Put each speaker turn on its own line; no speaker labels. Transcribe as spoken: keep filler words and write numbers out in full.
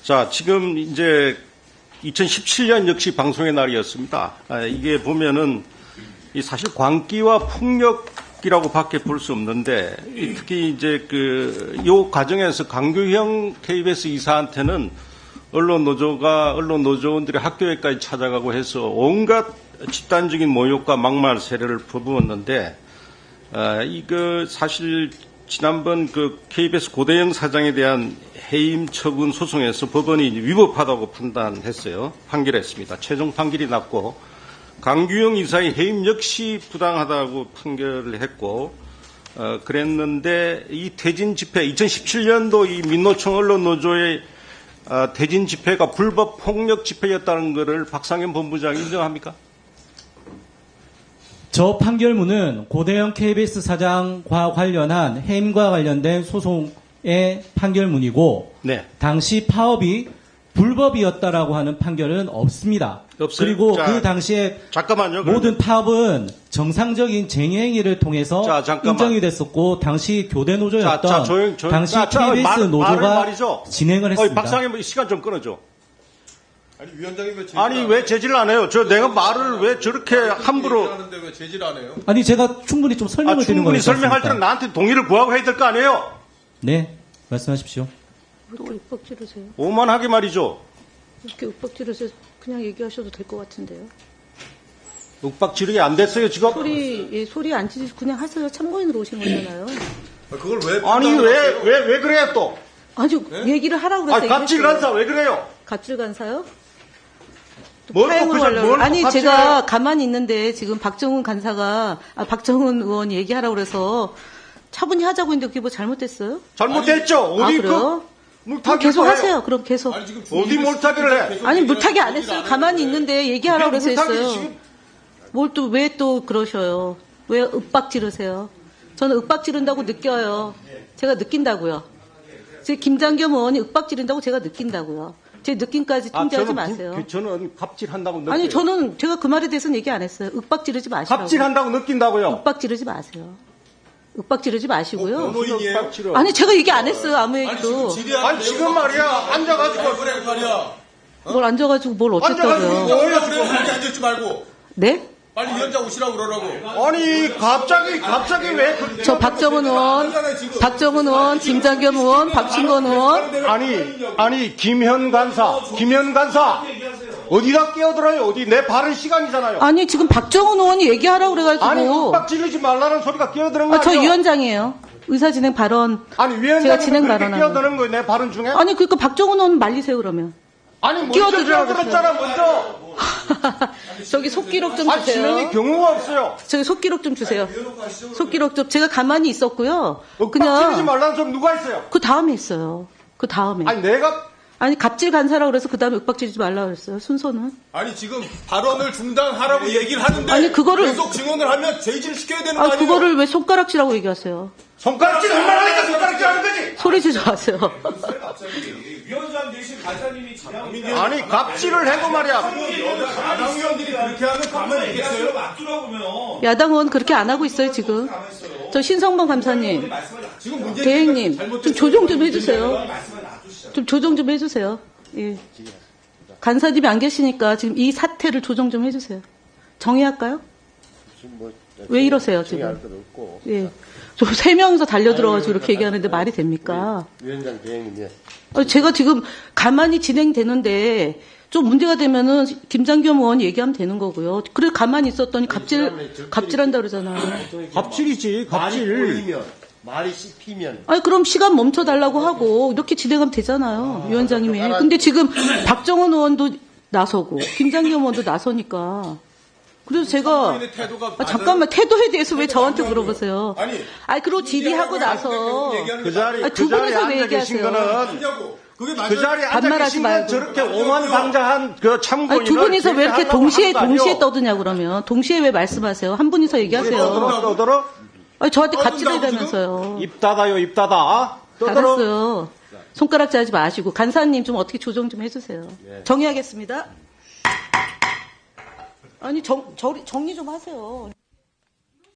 자, 지금 이제 이천십칠 년 역시 방송의 날이었습니다. 아, 이게 보면은 이 사실 광기와 폭력이라고 밖에 볼 수 없는데, 특히 이제 그, 요 과정에서 강규형 케이비에스 이사한테는 언론 노조가, 언론 노조원들이 학교에까지 찾아가고 해서 온갖 집단적인 모욕과 막말 세례를 퍼부었는데, 아, 이거 사실 지난번 그 케이비에스 고대영 사장에 대한 해임 처분 소송에서 법원이 위법하다고 판단했어요. 판결했습니다. 최종 판결이 났고, 강규영 이사의 해임 역시 부당하다고 판결을 했고, 어, 그랬는데 이 퇴진 집회, 이천십칠 년도 이 민노총 언론노조의 어, 퇴진 집회가 불법 폭력 집회였다는 것을 박상현 본부장이 인정합니까?
저 판결문은 고대영 케이비에스 사장과 관련한 해임과 관련된 소송의 판결문이고, 네. 당시 파업이 불법이었다라고 하는 판결은 없습니다.
없어요?
그리고
자,
그 당시에
잠깐만요,
모든 파업은 정상적인 쟁의행위를 통해서
자,
인정이 됐었고, 당시 교대 노조였던
자, 자, 조용, 조용.
당시
자, 자,
케이비에스
말,
노조가 진행을 했습니다.
어이, 박상현 시간 좀 끊어줘.
아니 위원장이 왜 제질
아니 왜 제지를 안 해요? 저 내가 말을 왜 저렇게 함부로
하는데 왜 제질 안 해요?
아니 제가 충분히 좀 설명을
아,
드리는 거예요.
충분히 설명할 때는 나한테 동의를 구하고 해야 될 거 아니에요?
네, 말씀하십시오.
또 윽박 지르세요.
오만하게 말이죠.
이렇게 윽박 지르세요. 그냥 얘기하셔도 될 것 같은데요.
윽박 지르기 안 됐어요 지금?
소리, 예, 소리 안 지르시고 그냥 하세요. 참고인으로 오신 거잖아요.
아, 그걸 왜
아니 왜 왜 왜 그래요 또?
아주
네?
얘기를 하라고 그랬어요.
아니 갑질 간사 왜 그래요?
갑질 간사요?
뭘
파행을
또
하려고.
뭘 또
아니
갑질을
제가
해요?
가만히 있는데 지금 박정훈 간사가 아, 박정훈 의원이 얘기하라고 그래서 차분히 하자고 했는데 그게 뭐 잘못됐어요?
잘못됐죠.
아
어디
그래요?
그
그럼
물타기
계속 하세요. 그럼 계속.
아니, 지금
어디 몰타기를 해?
아니 물타기 안 했어요. 가만히 있는데 얘기하라고 그래서
물타기
했어요.
지금
뭘 또 왜 또 그러셔요? 왜 윽박 지르세요? 저는 윽박 지른다고 느껴요. 제가 느낀다고요. 제 김장겸 의원이 윽박 지른다고 제가 느낀다고요. 제 느낌까지
아,
통제하지
저는
마세요.
그, 저는 갑질한다고 느껴요.
아니 저는 제가 그 말에 대해서는 얘기 안 했어요. 윽박 지르지 마시라고.
갑질한다고 느낀다고요.
윽박 지르지 마세요. 윽박 지르지 마시고요.
변호인이에요?
윽박 지르.
아니 제가 얘기 안 했어요. 아무
아니 지금
얘기도.
질의하는
아니 지금 말이야 앉아가지고
그래 말이야.
뭘 앉아가지고 뭘
앉아가지고
어쨌다고요.
뭐예요,
그래 빨리 앉아있지 말고
네?
빨리 위원장 오시라고 그러라고.
아니 갑자기 갑자기 왜 그,
저 박정은 의원, 박정은 의원, 김장겸 의원, 박신건 의원.
아니 아니 김현 간사 김현 간사 어디다 끼어들어요? 어디 내 발언 시간이잖아요.
아니 지금 박정은 의원이 얘기하라고 그래가지고.
아니 윽박 지르지 말라는 소리가 끼어드는 거
아, 저
아니에요?
위원장이에요. 의사진행 발언.
아니 위원장이
제가 진행
그렇게
발언하는
끼어드는 거예요 내 발언 중에?
아니 그러니까 박정은 의원 말리세요 그러면.
아니 먼저
끼어들으라고
끼어들었잖아 먼저.
저기 속기록 좀
아니 진행이
주세요.
경우가 없어요.
저기 속기록 좀 주세요. 속기록 좀 제가 가만히 있었고요.
윽박 지르지
그냥
말라는 소리 누가 했어요?
그 다음에 했어요. 그 다음에.
아니 내가
아니 갑질 간사라고 그래서 그 다음에 윽박 지르지 말라고 그랬어요. 순서는.
아니 지금 발언을 중단하라고 얘기를 하는데
아니, 그거를-
계속 증언을 하면 제질 시켜야 되는 거
아
아니에요?
그거를 왜 손가락질하고 얘기하세요?
손가락질 얼마나 하니까 손가락질 하는 거지?
소리 지르지 마세요.
위원장 대신 간사님이 진행하는
아니 갑질을 해도 말이야.
야당 의원들이 그렇게 하면 가만히 있겠어요?
맞추라고 보면
야당 의원 그렇게 안 하고 있어요 지금. 저 신성범 감사님,
지금 문제
대행님 좀 조정 좀 해주세요. 좀 조정 좀 해주세요. 예. 간사님이 안 계시니까 지금 이 사태를 조정 좀 해주세요. 정의할까요? 왜 이러세요 지금? 예. 저 세 명이서 달려들어가지고 이렇게 얘기하는데 말이 됩니까?
위원장 대행님,
아니, 제가 지금 가만히 진행되는데 좀 문제가 되면은 김장겸 의원이 얘기하면 되는 거고요. 그래 가만히 있었더니 갑질 갑질한다 그러잖아요.
갑질이지
말이
갑질.
꼬이면, 말이 씹히면.
아니 그럼 시간 멈춰 달라고 하고 이렇게 진행하면 되잖아요, 위원장님이. 근데 지금 박정원 의원도 나서고 김장겸 의원도 나서니까. 그래서 제가
태도가
아, 잠깐만 태도에 대해서 왜 저한테 물어보세요?
아니,
아니 그리고 질의하고 나서
그 자리
아니, 두
그 자리에
분이서 왜
앉아 계신
얘기하세요?
거는
하냐고. 그게
그
맞아요.
자리에 앉아
반말하지
계신 건
말고.
저렇게 오만방자한 그 참고인을
아니, 두 분이서 왜 이렇게
제지하려고
동시에
하는 거 아니에요?
동시에 떠드냐 그러면 동시에 왜 말씀하세요? 한 분이서 얘기하세요.
떠들어 떠들어
아니 저한테
떠든다고
갑질해다면서요.
입 닫아요 입 닫아. 떠들어.
알았어요. 손가락질 하지 마시고 간사님 좀 어떻게 조정 좀 해주세요. 정리하겠습니다. 아니 정, 정, 정리 좀 하세요.